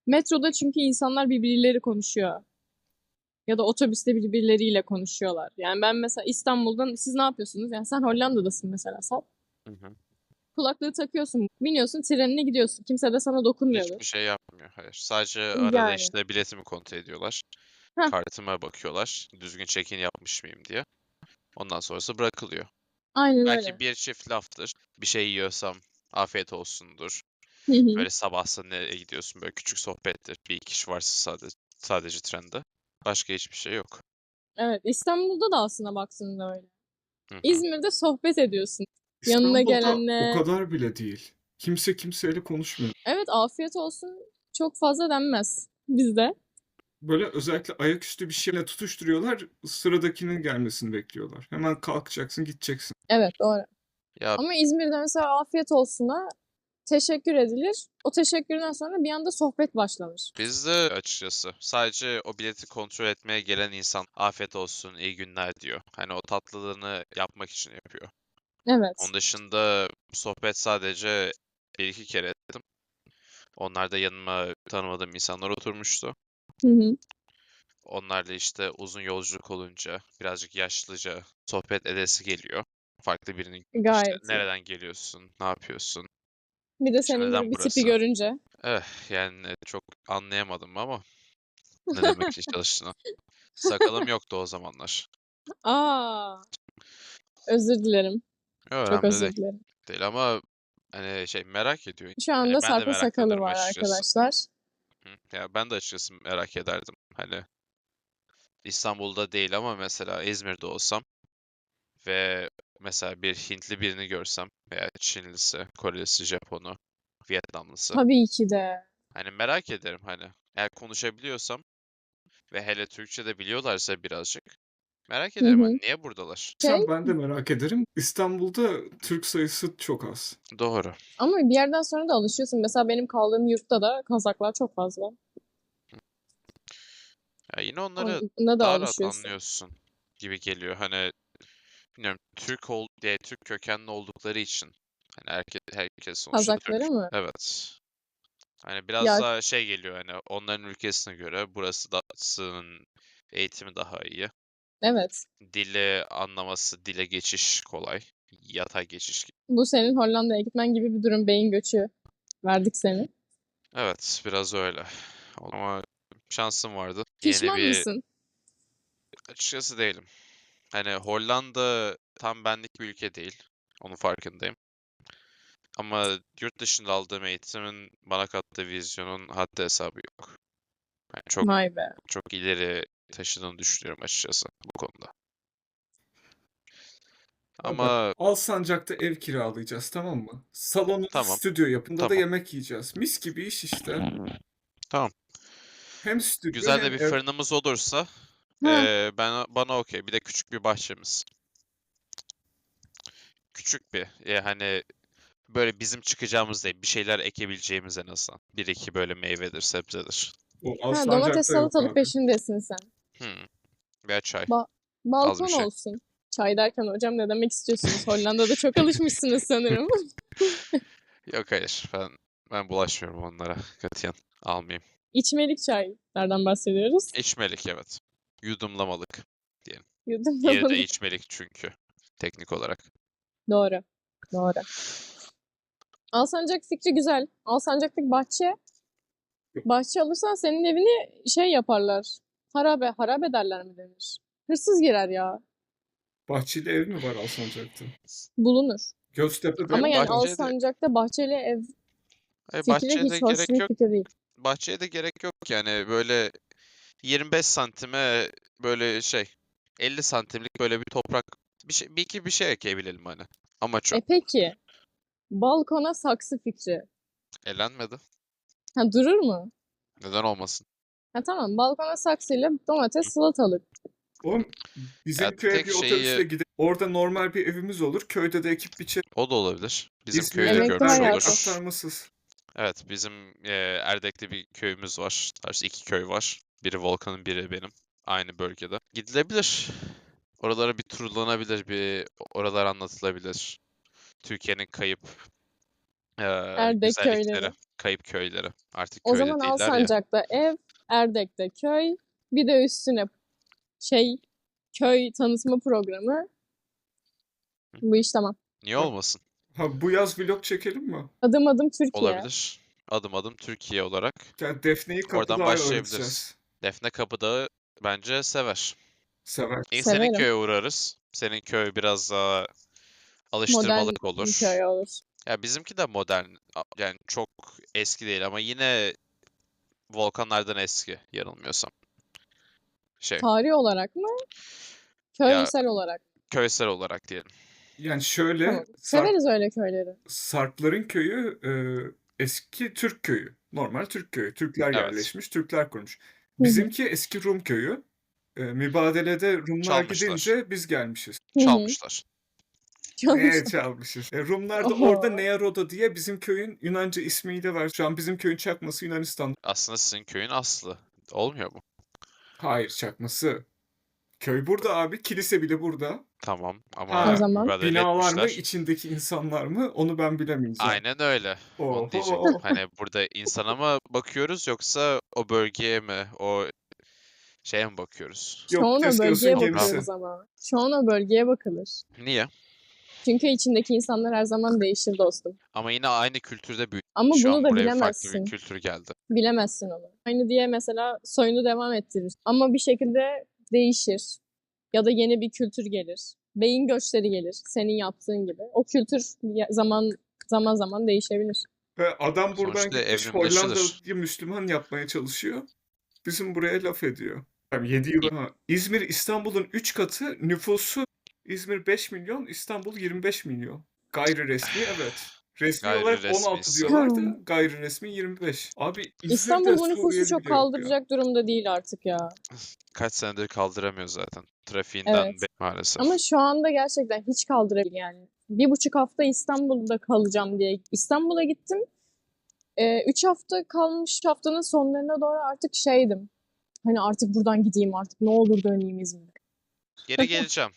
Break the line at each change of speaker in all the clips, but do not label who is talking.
Metroda çünkü insanlar birbirleriyle konuşuyor. Ya da otobüste birbirleriyle konuşuyorlar. Yani ben mesela İstanbul'dan siz ne yapıyorsunuz? Yani sen Hollanda'dasın mesela Sal.
Hı hı.
Kulaklığı takıyorsun, biniyorsun, trenine gidiyorsun. Kimse de sana dokunmuyordur.
Hiçbir şey yapmıyor. Hayır. Sadece arada
Yani.
işte biletimi kontrol ediyorlar.
Heh,
Kartıma bakıyorlar. Düzgün check-in yapmış mıyım diye. Ondan sonrası bırakılıyor.
aynen
Belki
öyle.
bir çift laftır. Bir şey yiyorsam afiyet olsundur.
Hı hı.
Böyle sabahsa nereye gidiyorsun, böyle küçük sohbettir. Bir iki kişi varsa sadece trende. Başka hiçbir şey yok.
Evet, İstanbul'da da aslında baktığında öyle.
Hı hı.
İzmir'de sohbet ediyorsun. Yanına
İstanbul'da o
gelenle.
kadar bile değil. Kimse kimseyle konuşmuyor.
Evet, afiyet olsun çok fazla denmez bizde.
Böyle özellikle ayaküstü bir şeyle tutuşturuyorlar. Sıradakinin gelmesini bekliyorlar. Hemen kalkacaksın, gideceksin.
Evet, doğru.
Ya
Ama İzmir'de mesela afiyet olsuna teşekkür edilir. O teşekkürden sonra bir anda sohbet başlanır.
bizde açıkçası sadece o bileti kontrol etmeye gelen insan afiyet olsun, iyi günler diyor. Hani o tatlılığını yapmak için yapıyor.
Evet.
Onun dışında sohbet sadece bir iki kere ettim. Onlar da yanıma tanımadığım insanlar oturmuştu.
Hı hı.
Onlarla işte uzun yolculuk olunca birazcık yaşlıca sohbet edesi geliyor. Farklı birinin işte
Gayet iyi.
nereden geliyorsun, ne yapıyorsun,
Bir de
işte
senin
neden
gibi bir tipi
burası?
görünce.
Yani çok anlayamadım ama ne demek çalıştığını. Sakalım yoktu o zamanlar.
Aa, özür dilerim. Çok
Önemli
özür dilerim.
değil ama hani şey merak ediyor.
Şu
Hani
anda
ben de
Sarp'ın
merak
sakalı
ederim
var
açıkçası.
arkadaşlar.
Hı. Ya ben de açıkçası merak ederdim. Hani İstanbul'da değil ama mesela İzmir'de olsam ve mesela bir Hintli birini görsem veya Çinlisi, Korelisi, Japonu, Vietnamlısı.
Tabii ki de.
Hani merak ederim hani. Eğer konuşabiliyorsam ve hele Türkçe de biliyorlarsa birazcık. Merak
Hı
ederim hani
hı.
niye buradalar?
Şey,
Ben de merak ederim. İstanbul'da Türk sayısı çok az.
Doğru.
ama bir yerden sonra da alışıyorsun. Mesela benim kaldığım yurtta da Kazaklar çok fazla.
Ya yine onları
Buna da
daha rahat
alışıyorsun.
anlıyorsun gibi geliyor. Hani bilmiyorum Türk kökenli oldukları için. Hani herkes sonuçta Türk.
Kazakları mı?
Evet. Hani biraz
Ya
daha şey geliyor hani onların ülkesine göre burasının eğitimi daha iyi.
evet.
Dili anlaması, dile geçiş kolay. Yatay geçiş gibi.
Bu senin Hollanda'ya gitmen gibi bir durum. Beyin göçü verdik seni.
Evet, biraz öyle. Ama şansım vardı. Yeni
Pişman
bir
mısın?
açıkçası değilim. Hani Hollanda tam benlik bir ülke değil. Onun farkındayım. Ama yurt dışında aldığım eğitimin bana kattığı vizyonun haddi hesabı yok. Yani çok
Vay be.
çok ileri taşıdığını düşünüyorum açıkçası bu konuda.
Ya bak,
Ama
Alsancak'ta ev kiralayacağız, tamam mı? Salonunu
tamam,
stüdyo yapında da
tamam,
yemek yiyeceğiz. Mis gibi iş işte.
tamam.
Hem stüdyo
Güzel de
hem
bir
ev.
fırınımız olursa
Ha,
bana okey. Bir de küçük bir bahçemiz. Küçük bir. Hani böyle bizim çıkacağımız değil. Bir şeyler ekebileceğimiz en azından. Bir iki böyle meyvedir, sebzedir.
O
ha, domates
Alsancak'ta yok
salatalık
abi.
peşindesin sen.
Hmm. Veya çay.
Ba-
Az bir
balkon
şey.
olsun. Çay derken hocam ne demek istiyorsunuz? Hollanda'da çok alışmışsınız sanırım.
Yok hayır. Ben bulaşmıyorum onlara. Katiyen almayayım.
İçmelik çaylardan bahsediyoruz.
İçmelik evet. Yudumlamalık diyelim. Diğeri de
Yudumlamalık.
içmelik çünkü. Teknik olarak.
Doğru. Doğru. Alsancak fikri güzel. Alsancak'taki bahçe alırsan senin evini şey yaparlar. Harabe derler mi denir? Hırsız girer ya.
Bahçeli ev mi var Alsancak'ta?
Bulunur.
Göztepe'de
Ama
Hayır,
yani
bahçede
Alsancak'ta bahçeli ev
hayır,
fikri
bahçeye de
hiç hoş
gerek
bir
yok.
fikir değil.
Bahçeye de gerek yok yani böyle 25 santime böyle şey 50 santimlik böyle bir toprak bir iki bir şey ekebilelim hani. Amaç o.
Peki, balkona saksı fikri.
Elenmedi.
Ha, durur mu?
Neden olmasın?
Ha, tamam, balkona saksıyla domates, salatalık.
oğlum,
Ya
bizim köye
tek
bir otobüsle
şeyi
gidelim. Orada normal bir evimiz olur. Köyde de ekip biçer.
o da olabilir. Bizim köyü de
İzmir'de
Emekli
görmüş
böyle
hayatı.
olur.
aktarmasız.
Evet bizim Erdek'te bir köyümüz var. Tarzı iki köy var. Biri Volkan'ın biri benim. Aynı bölgede. Gidilebilir. Oralara bir turlanabilir. Bir oralar anlatılabilir. Türkiye'nin kayıp
Erdek
güzellikleri,
köyleri.
kayıp köyleri. Artık
O
köyde
zaman
değiller ya.
Alsancak'ta ev, Erdek'te köy, bir de üstüne köy tanıtma programı. Bu iş tamam.
Niye
Bak,
olmasın?
bu yaz vlog çekelim mi?
Adım adım Türkiye.
Olabilir. Adım adım Türkiye olarak.
Yani Defne'yi
Oradan
Kapıdağ'ı
başlayabiliriz.
öğreteceğiz.
Defne Kapıdağ'ı bence sever.
Sever.
İlk senin
Severim.
köye uğrarız. Senin köy biraz daha
Modern
alıştırmalık
bir
olur.
köy olur.
Ya bizimki de modern. Yani çok eski değil ama yine volkanlardan eski yanılmıyorsam.
Tarih olarak mı?
Ya
Köysel olarak mı?
köysel olarak diyelim.
Yani şöyle
Tamam. Severiz öyle köyleri.
Sarpların köyü eski Türk köyü. Normal Türk köyü. Türkler
Evet.
yerleşmiş, Türkler kurmuş.
Hı hı.
Bizimki eski Rum köyü. Mübadelede Rumlar
Çalmışlar.
gidince biz gelmişiz.
Hı hı.
Çalmışlar.
Neye
Çalmışlar.
çalmışız? Rumlar da orada
Oho.
Nearoda diye bizim köyün Yunanca ismiyle var. Şu an bizim köyün çakması Yunanistan.
Aslında sizin köyün aslı. Olmuyor mu?
Hayır, çakması. Köy burada abi. Kilise bile burada.
Tamam
O
ama
zaman
mübadele
Binalar mı,
etmişler.
içindeki insanlar mı? Onu ben bilemeyeceğim.
Aynen öyle. Onu diyecektim.
Oho.
Hani burada insana mı bakıyoruz yoksa o bölgeye mi, o şeye mi bakıyoruz?
Yok,
çoğuna
Teskios'un
bölgeye
Toprağa.
gemisi.
bakıyoruz ama. Çoğuna bölgeye bakılır.
Niye?
Çünkü içindeki insanlar her zaman değişir dostum.
Ama yine aynı kültürde büyüdük.
Ama
Şu
bunu
an
da
buraya farklı bir
bilemezsin.
kültür geldi.
Bilemezsin onu. Aynı diye mesela soyunu devam ettirir. Ama bir şekilde değişir. Ya da yeni bir kültür gelir. Beyin göçleri gelir. Senin yaptığın gibi. O kültür zaman zaman değişebilir.
Ve adam buradan
Sonuçta
gitmiş
evrimleşilir.
Hollanda'yı Müslüman yapmaya çalışıyor. Bizim buraya laf ediyor. Yani 7 yıl. İzmir İstanbul'un 3 katı nüfusu. İzmir 5 milyon, İstanbul 25 milyon. Gayri resmi evet. Resmi
Gayri
olarak
resmi
16
ise.
diyorlar da gayri resmi 25. Abi İzmir'de
İstanbul bu nüfusu
Suriyeli
çok
bile yok ya.
kaldıracak durumda değil artık ya.
Kaç senedir kaldıramıyor zaten. Trafiğinden
Evet.
maalesef.
Ama şu anda gerçekten hiç kaldırabilir yani. 1,5 hafta İstanbul'da kalacağım diye İstanbul'a gittim. 3 hafta kalmış, haftanın sonlarına doğru artık şeydim. Hani artık buradan gideyim, artık ne olur döneyim İzmir'e.
Geri geleceğim.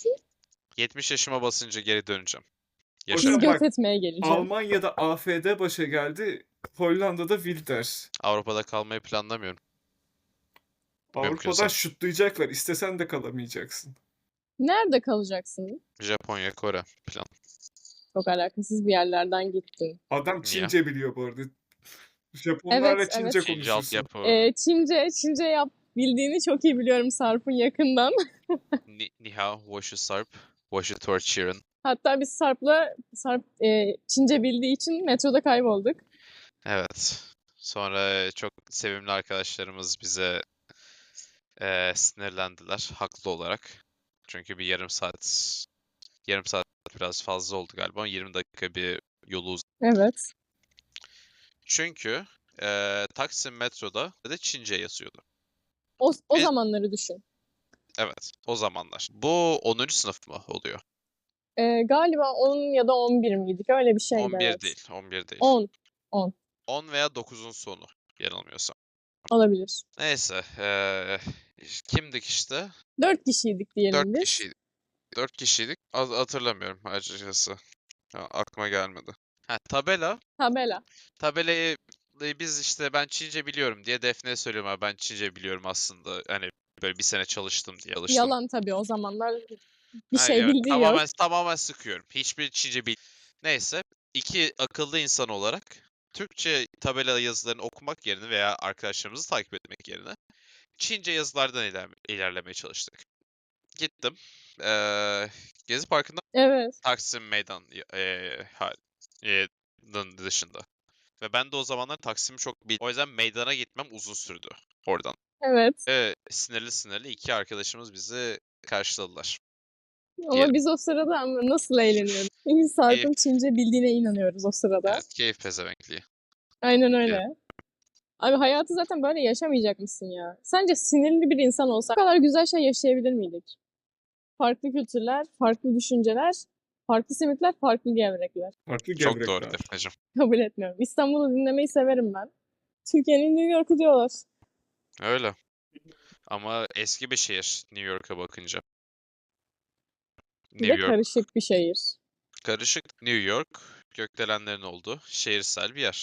70 yaşıma basınca geri döneceğim.
Siz
Hocam
Yaşarım.
bak,
göt etmeye geleceğim.
Almanya'da AfD başa geldi. Hollanda'da Wilders.
Avrupa'da kalmayı planlamıyorum.
Avrupa'dan
Mümkünse.
şutlayacaklar. İstesen de kalamayacaksın.
Nerede kalacaksın?
Japonya, Kore plan.
Çok alakasız bir yerlerden gittin.
Adam
Niye?
Çince biliyor bu arada. Japonlarla
Evet,
Çince
evet.
Çince
konuşursun.
altyapı.
Çince bildiğini çok iyi biliyorum Sarp'ın yakından.
Ni hao, woshi sarp, woshi torchiren.
Hatta biz Sarp Çince bildiği için metroda kaybolduk.
Evet. Sonra çok sevimli arkadaşlarımız bize sinirlendiler. Haklı olarak. Çünkü bir yarım saat biraz fazla oldu galiba. 20 dakika bir yolu uzadı.
Evet.
Çünkü Taksim metroda da Çince yazıyordu.
O
Biz-
zamanları düşün.
Evet, o zamanlar. Bu 10. sınıf mı oluyor?
Galiba 10 ya da 11 miydik? Öyle bir şeydi
11
evet.
değil, 11 değil.
10
10 veya 9'un sonu yanılmıyorsam.
olabilir.
Neyse, kimdik işte?
4 kişiydik diyelim
4
biz.
kişiydik. 4 kişiydik. Hatırlamıyorum açıkçası. Aklıma gelmedi. Ha, tabela.
Tabela.
Tabelayı biz işte ben Çince biliyorum diye Defne'ye söylüyorum abi ben Çince biliyorum aslında. Hani böyle bir sene çalıştım diye çalıştım.
Yalan tabii o zamanlar bir
Ha,
şey
evet,
bildiği yok.
tamamen sıkıyorum. Hiçbir Çince Neyse, iki akıllı insan olarak Türkçe tabela yazılarını okumak yerine veya arkadaşlarımızı takip etmek yerine Çince yazılardan ilerlemeye çalıştık. Gittim. Gezi Parkı'nda
Evet.
Taksim Meydan dışında. Ve ben de o zamanlar Taksim'i çok O yüzden meydana gitmem uzun sürdü oradan.
Evet.
Sinirli iki arkadaşımız bizi karşıladılar.
Ama
Diyelim.
biz o sırada ama nasıl eğleniyorduk? Biz Sarp'ın Çince bildiğine inanıyoruz o sırada.
Evet, keyif pezevenkliği.
Aynen öyle. Abi hayatı zaten böyle yaşamayacak mısın ya? Sence sinirli bir insan olsak bu kadar güzel şey yaşayabilir miydik? Farklı kültürler, farklı düşünceler, farklı simitler, farklı gevrekler.
Farklı
Çok doğru
gevrekler.
Defneciğim.
Kabul etmiyorum. İstanbul'u dinlemeyi severim ben. Türkiye'nin New York'u diyorlar.
Öyle. Ama eski bir şehir New York'a bakınca.
Bir de
New York
karışık bir şehir.
karışık. New York gökdelenlerin olduğu şehirsel bir yer.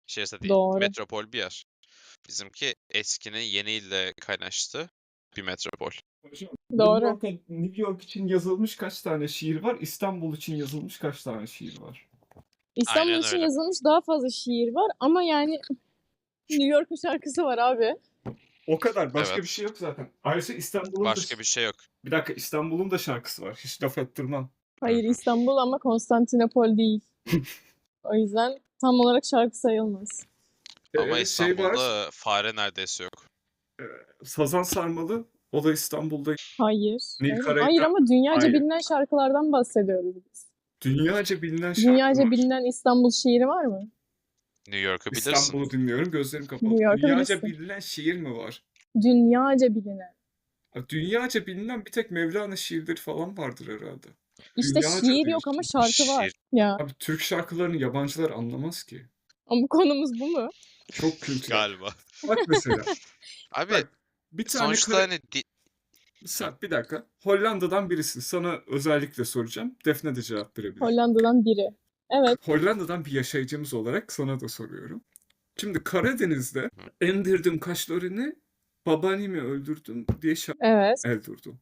Şehirse değil.
Doğru.
Metropol bir yer. Bizimki eskinin yeniyle kaynaştı bir metropol.
Hocam,
Doğru.
New York için yazılmış kaç tane şiir var? İstanbul için yazılmış kaç tane şiir var?
İstanbul
Aynen
için
öyle.
yazılmış daha fazla şiir var ama yani New York'un şarkısı var abi.
O kadar. Başka bir
Evet.
şey yok zaten. Ayrıca İstanbul'un da...
Başka bir şey yok.
Bir dakika, İstanbul'un da şarkısı var. Hiç laf ettirmem.
Hayır, İstanbul ama Konstantinopol değil. O yüzden tam olarak şarkı sayılmaz.
Ama
Şey var.
İstanbul'da fare neredeyse yok.
Sazan Sarmalı. O da İstanbul'da.
Hayır.
Nil
Hayır,
Karayel-
hayır ama dünyaca
Hayır.
bilinen şarkılardan bahsediyoruz biz.
Dünyaca bilinen şarkı
Dünyaca
var.
bilinen İstanbul şiiri var mı?
New York'u bilirsin.
İstanbul'u dinliyorum. Gözlerim kapalı.
New York'u
Dünyaca
bilirsin.
bilinen şiir mi var?
Dünyaca bilinen.
Dünyaca bilinen bir tek Mevlana şiirleri falan vardır herhalde.
İşte
Dünyaca
şiir yok
diyorsun.
ama şarkı var.
Şiir.
Ya
Abi Türk şarkılarını yabancılar anlamaz ki.
ama konumuz bu mu?
Çok kültürel.
Galiba.
Bak mesela.
Abi
Bak, bir tane
sonuçta hani
Bir dakika. Hollanda'dan birisin. Sana özellikle soracağım. Defne de cevap verebilir.
Hollanda'dan biri. Evet.
Hollanda'dan bir yaşayıcımız olarak sana da soruyorum. Şimdi Karadeniz'de endirdim kaşlarını, babaannemi öldürdüm diye
Evet.
el durdu.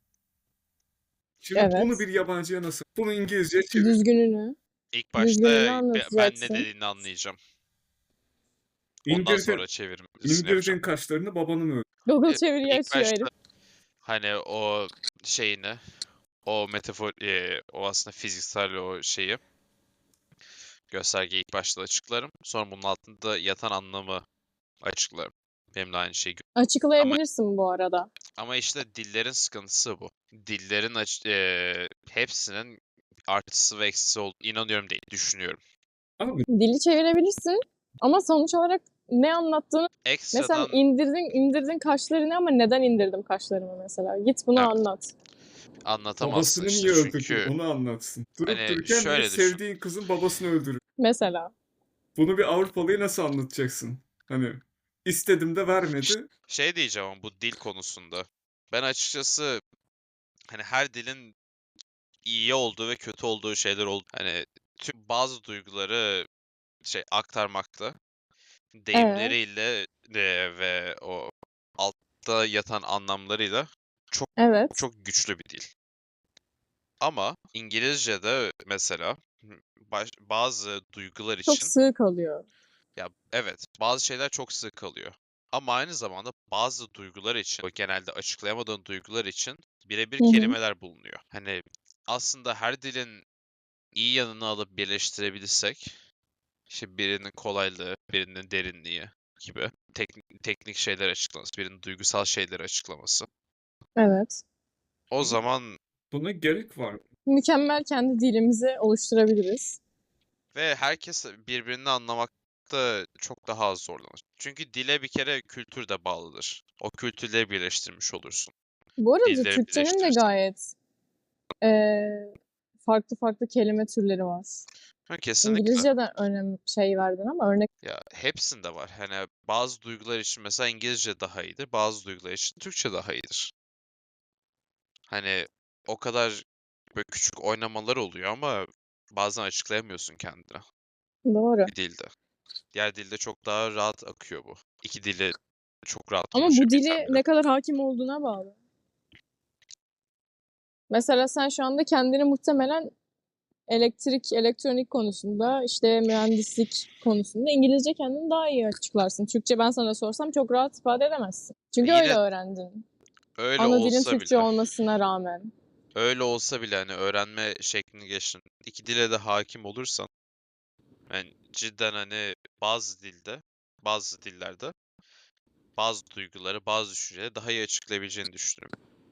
Şimdi
Evet.
bunu bir yabancıya nasıl? Bunu İngilizceye çevir.
Düzgününü.
ilk
Düzgününü
başta ben ne
anlatacaksın.
dediğini anlayacağım. Ondan
İndirdin,
sonra çevirmesini
indirdin
yapacağım.
kaşlarını, babanı mı öldürdün?
Google
E,
çeviriyi
İlk
açıyor
başta
herif.
hani o şeyini, o metafor, o aslında fiziksel o şeyi, göstergeyi ilk başta açıklarım. Sonra bunun altında yatan anlamı açıklarım. Benim de aynı şeyi
Açıklayabilirsin bu arada.
Ama işte dillerin sıkıntısı bu. Dillerin hepsinin artısı ve eksisi olduğunu inanıyorum değil, düşünüyorum.
Abi
Dili çevirebilirsin ama sonuç olarak ne anlattığını mesela
Ekstradan
indirdin kaşlarını ama neden indirdim kaşlarımı mesela? Git bunu
Evet.
anlat.
anlatamazsın
babasını
işte
niye öldürdün
çünkü
onu anlatsın. Durup
hani
dururken bir
şöyle düşün.
sevdiğin kızın babasını öldürür.
Mesela.
Bunu bir Avrupalıya nasıl anlatacaksın? Hani istedim de vermedi.
Şey diyeceğim ama bu dil konusunda. Ben açıkçası hani her dilin iyi olduğu ve kötü olduğu şeyler oldu. Hani bazı duyguları aktarmakta deyimleriyle ve o altta yatan anlamlarıyla
Evet.
çok güçlü bir dil. Ama İngilizce'de mesela bazı duygular
Çok
için
sığ kalıyor.
ya evet bazı şeyler çok sık kalıyor. Ama aynı zamanda bazı duygular için, o genelde açıklayamadığın duygular için birebir
Hı hı.
kelimeler bulunuyor. Hani aslında her dilin iyi yanını alıp birleştirebilirsek, işte birinin kolaylığı, birinin derinliği gibi teknik şeyler açıklaması, birinin duygusal şeyleri açıklaması.
Evet.
O zaman
Buna gerek var mı?
Mükemmel kendi dilimizi oluşturabiliriz.
ve herkes birbirini anlamakta çok daha az zorlanır. Çünkü dile bir kere kültür de bağlıdır. O kültürleri birleştirmiş olursun.
Bu arada
Dilleri
Türkçenin de
birleştirirsen.
gayet farklı farklı kelime türleri var.
Ha, kesinlikle.
İngilizce'den verdin ama örnek
Ya hepsinde var. Hani bazı duygular için mesela İngilizce daha iyidir, bazı duygular için Türkçe daha iyidir. Hani o kadar böyle küçük oynamalar oluyor ama bazen açıklayamıyorsun kendine
doğru.
bir dilde. Diğer dilde çok daha rahat akıyor bu. İki dili çok rahat
Ama bu
konuşabilsen
dili
bile.
ne kadar hakim olduğuna bağlı. Mesela sen şu anda kendini muhtemelen elektronik konusunda, işte mühendislik konusunda İngilizce kendini daha iyi açıklarsın. Türkçe ben sana sorsam çok rahat ifade edemezsin. Çünkü
Yine
öyle öğrendin.
öyle
Ana dilin
olsa
Türkçe
bile,
olmasına rağmen.
öyle olsa bile hani öğrenme şeklini geçtin. İki dile de hakim olursan, yani cidden hani bazı dillerde bazı duyguları, bazı düşünceleri daha iyi açıklayabileceğini düşünüyorum.